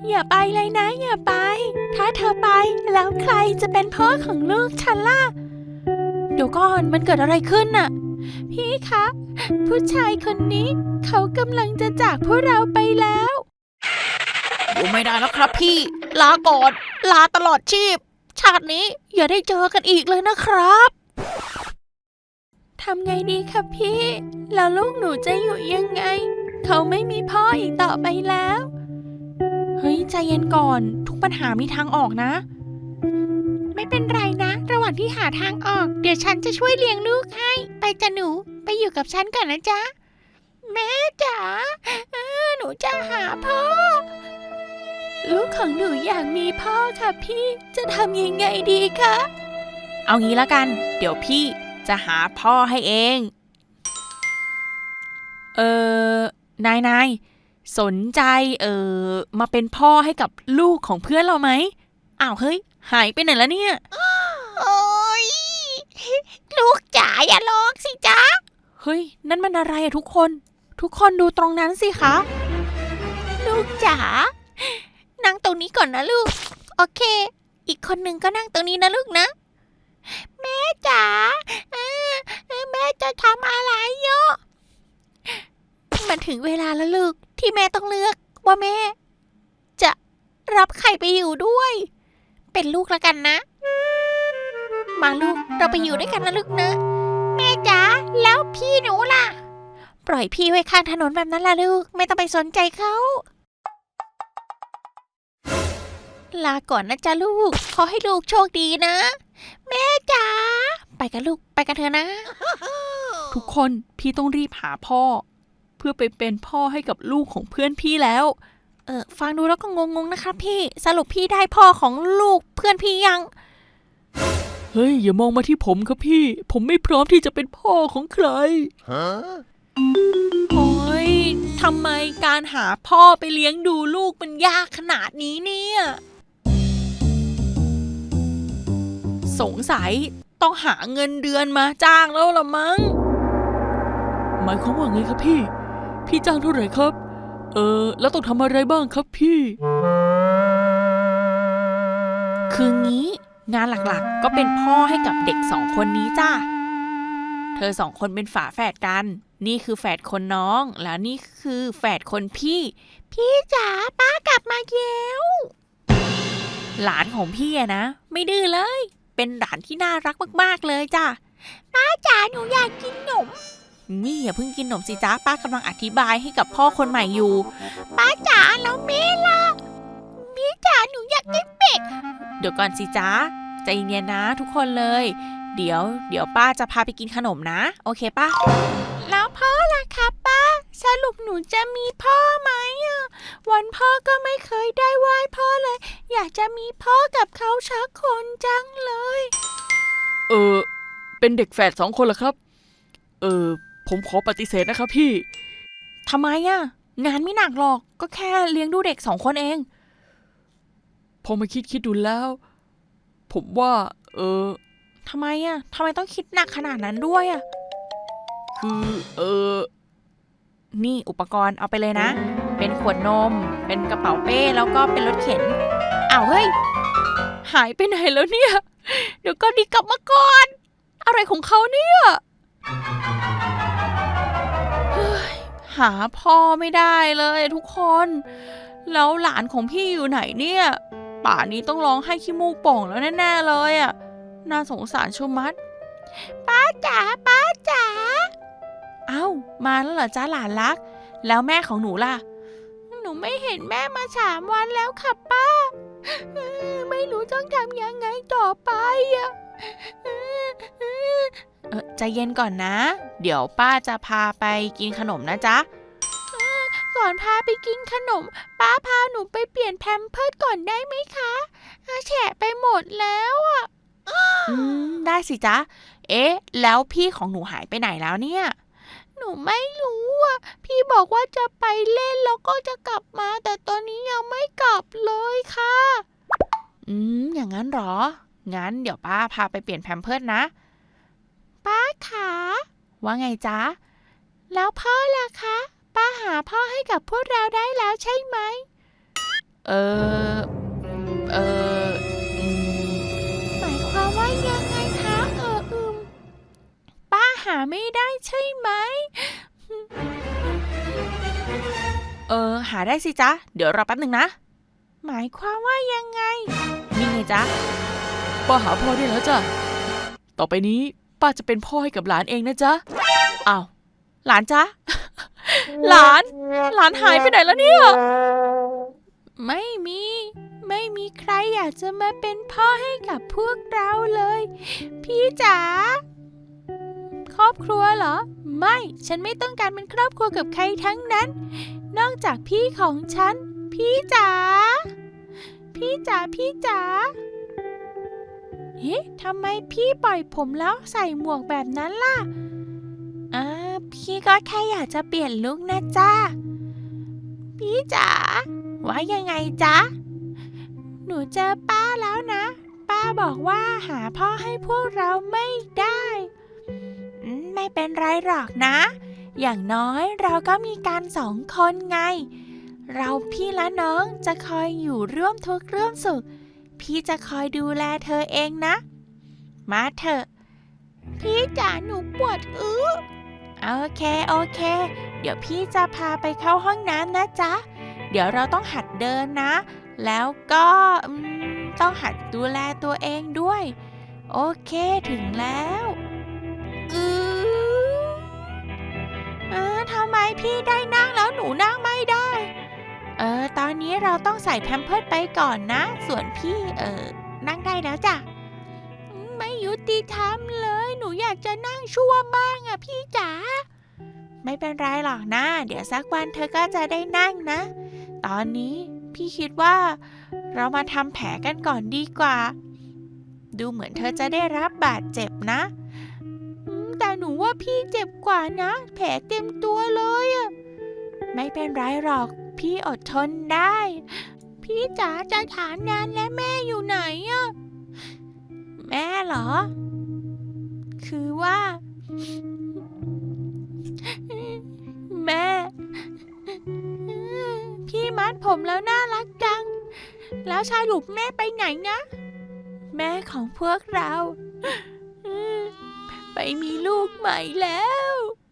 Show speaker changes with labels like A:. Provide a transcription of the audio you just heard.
A: อย่าไปเลยนะอย่าไปถ้าเธอไปแล้วใครจะเป็นพ่อของลูกฉันล่ะเดี๋ยวก่อนมันเกิดอะไรขึ้นน่ะพี่คะผู้ชายคนนี้เขากำลังจะจากพวกเราไปแล้วอยู่ไม่ได้แล้วครับพี่ลาก่อนลาตลอดชีพชาตินี้อย่าได้เจอกันอีกเลยนะครับทำไงดีครับพี่แล้วลูกหนูจะอยู่ยังไงเขาไม่มีพ่ออีกต่อไปแล้วเฮ้ยใจเย็นก่อนทุกปัญหามีทางออกนะไม่เป็นไรนะระหว่างที่หาทางออกเดี๋ยวฉันจะช่วยเลี้ยงลูกให้ไปจ้ะหนูไปอยู่กับฉันก่อนนะจ๊ะแม่จ๋าหนูจะหาพ่อลูกของหนูอยากมีพ่อค่ะพี่จะทำยังไงดีคะเอางี้ละกันเดี๋ยวพี่จะหาพ่อให้เองนายสนใจมาเป็นพ่อให้กับลูกของเพื่อนเราไหมอ้าวเฮ้ยหายไปไหนแล้วเนี่ยโอ้ยลูกจ๋าอย่าร้องสิจ๊ะเฮ้ยนั่นมันอะไรอะทุกคนดูตรงนั้นสิคะลูกจ๋านั่งตรงนี้ก่อนนะลูกโอเคอีกคนหนึ่งก็นั่งตรงนี้นะลูกนะแม่จ๋าแม่จะทำอะไรเยอะมันถึงเวลาแล้วลูกที่แม่ต้องเลือกว่าแม่จะรับใครไปอยู่ด้วยเป็นลูกแล้วกันนะมาลูกเราไปอยู่ด้วยกันนะลูกนะแม่จ๋าแล้วพี่หนูล่ะปล่อยพี่ไว้ข้างถนนแบบนั้นล่ะลูกไม่ต้องไปสนใจเขาลาก่อนนะจ๊ะลูกขอให้ลูกโชคดีนะแม่จ๋าไปกันลูกไปกันเถอะนะทุกคนพี่ต้องรีบหาพ่อเพื่อไปเป็นพ่อให้กับลูกของเพื่อนพี่แล้วฟังดูแล้วก็งงๆนะครับพี่สรุปพี่ได้พ่อของลูกเพื่อนพี่ยังเฮ้ยอย่ามองมาที่ผมครับพี่ผมไม่พร้อมที่จะเป็นพ่อของใครโอ้ยทำไมการหาพ่อไปเลี้ยงดูลูกมันยากขนาดนี้เนี่ยสงสัยต้องหาเงินเดือนมาจ้างแล้วละมั้งหมายความว่าไงครับพี่จ้างเท่าไหร่ครับแล้วต้องทำอะไรบ้างครับพี่คืองี้งานหลักๆก็เป็นพ่อให้กับเด็ก2 คนนี้จ้าเธอ2 คนเป็นฝาแฝดกันนี่คือแฝดคนน้องแล้วนี่คือแฝดคนพี่จ๋าป้ากลับมาแล้วหลานของพี่อะนะไม่ดื้อเลยเป็นหลานที่น่ารักมากๆเลยจ้าป้าจ๋าหนูอยากกินขนมนี่อย่าเพิ่งกินขนมสิจ้าป้ากำลังอธิบายให้กับพ่อคนใหม่อยู่ป้าจ๋าแล้วแม่ล่ะแม่จ๋าหนูอยากกินเป็ดเดี๋ยวก่อนสิจ้าใจเย็นๆนะทุกคนเลยเดี๋ยวป้าจะพาไปกินขนมนะโอเคป้าแล้วพ่อล่ะคะป้าสรุปหนูจะมีพ่อไหมวันพ่อก็ไม่เคยได้ไหว้พ่อเลยอยากจะมีพ่อกับเขาชักคนจังเลยเป็นเด็กแฝด2 คนเหรอครับผมขอปฏิเสธนะครับพี่ทำไมงานไม่หนักหรอกก็แค่เลี้ยงดูเด็ก2 คนเองพอมาคิดดูแล้วผมว่าทำไมต้องคิดหนักขนาดนั้นด้วยคือนี่อุปกรณ์เอาไปเลยนะเป็นขวดนมเป็นกระเป๋าเป้แล้วก็เป็นรถเข็นอ้าวเฮ้ยหายไปไหนแล้วเนี่ยเดี๋ยวก็ดีกลับมาก่อนอะไรของเขาเนี่ยหาพ่อไม่ได้เลยทุกคนแล้วหลานของพี่อยู่ไหนเนี่ยป่านนี้ต้องร้องให้ขี้มูกป่องแล้วแน่ๆเลยน่าสงสารชุมัดป้าจ๋าเอ้ามาแล้วเหรอจ้าหลานรักแล้วแม่ของหนูล่ะหนูไม่เห็นแม่มา3 วันแล้วค่ะป้าไม่รู้ต้องทำยังไงต่อไปใจเย็นก่อนนะเดี๋ยวป้าจะพาไปกินขนมนะจ๊ะก่อนพาไปกินขนมป้าพาหนูไปเปลี่ยนแพมเพิร์สก่อนได้ไหมคะแฉะไปหมดแล้วได้สิจ๊ะแล้วพี่ของหนูหายไปไหนแล้วเนี่ยหนูไม่รู้พี่บอกว่าจะไปเล่นแล้วก็จะกลับมาแต่ตอนนี้ยังไม่กลับเลยค่ะอย่างนั้นหรองั้นเดี๋ยวป้าพาไปเปลี่ยนแพมเพิร์สนะป้าขาว่าไงจ๊ะแล้วพ่อล่ะคะป้าหาพ่อให้กับพวกเราได้แล้วใช่ไหมเออเอออืมหมายความว่ายังไงคะป้าหาไม่ได้ใช่ไหมหาได้สิจ๊ะเดี๋ยวรอแป๊บหนึ่งนะหมายความว่ายังไงนี่ไงจ๊ะป้าหาพ่อได้แล้วจ้ะต่อไปนี้ป้าจะเป็นพ่อให้กับหลานเองนะจ๊ะอ้าวหลานจ๊ะ หลานหายไปไหนแล้วเนี่ยไม่มีใครอยากจะมาเป็นพ่อให้กับพวกเราเลยพี่จ๋าครอบครัวเหรอไม่ฉันไม่ต้องการเป็นครอบครัวกับใครทั้งนั้นนอกจากพี่ของฉันพี่จ๋าเฮ้ทำไมพี่ปล่อยผมแล้วใส่หมวกแบบนั้นล่ะพี่ก็แค่อยากจะเปลี่ยนลุคนะจ้าพี่จ๋าว่ายังไงจ๊ะหนูเจอป้าแล้วนะป้าบอกว่าหาพ่อให้พวกเราไม่ได้ไม่เป็นไรหรอกนะอย่างน้อยเราก็มีกัน2 คนไงเราพี่และน้องจะคอยอยู่ร่วมทุกข์ร่วมสุขพี่จะคอยดูแลเธอเองนะมาเถอะพี่จ๋าหนูปวดโอเคเดี๋ยวพี่จะพาไปเข้าห้องน้ำนะจ๊ะเดี๋ยวเราต้องหัดเดินนะแล้วก็ต้องหัดดูแลตัวเองด้วยโอเคถึงแล้วทำไมพี่ได้นั่งแล้วหนูนั่งไม่ได้ตอนนี้เราต้องใส่แพมเพิร์สไปก่อนนะส่วนพี่นั่งได้แล้วจ้ะไม่ยุติธรรมเลยหนูอยากจะนั่งชั่วบ้างอะพี่จ๋าไม่เป็นไรหรอกนะเดี๋ยวสักวันเธอก็จะได้นั่งนะตอนนี้พี่คิดว่าเรามาทำแผลกันก่อนดีกว่าดูเหมือนเธอจะได้รับบาดเจ็บนะแต่หนูว่าพี่เจ็บกว่านะแผลเต็มตัวเลยอะไม่เป็นไรหรอกพี่อดทนได้พี่จ๋าจะถามนานและแม่อยู่ไหนอะแม่เหรอคือว่าแม่พี่มัดผมแล้วน่ารักจังแล้วชายหลุบแม่ไปไหนนะแม่ของพวกเราไปมีลูกใหม่แล้ว